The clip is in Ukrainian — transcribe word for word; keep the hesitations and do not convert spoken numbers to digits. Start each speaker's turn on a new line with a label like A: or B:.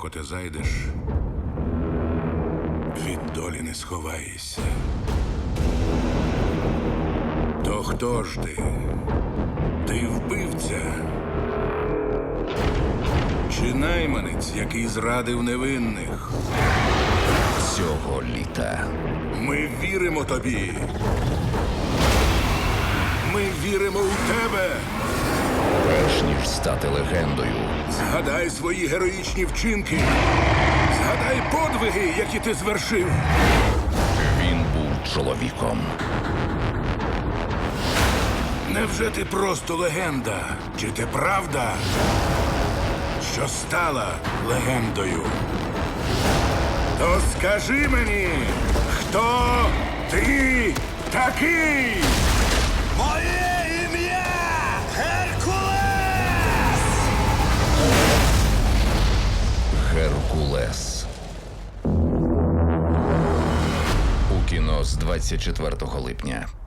A: далеко ти зайдеш, від долі не сховаєшся. То хто ж ти? Ти вбивця? Чи найманець, який зрадив невинних?
B: Цього літа
A: Ми віримо тобі. Ми віримо у тебе.
B: перш ніж стати легендою,
A: Згадай свої героїчні вчинки. Згадай подвиги, які ти звершив.
B: він був чоловіком.
A: Невже ти просто легенда? Чи ти правда, що стала легендою? То скажи мені, хто ти такий?
C: Моє ім'я Геркулес!
B: Геркулес. У кіно з двадцять четвертого липня.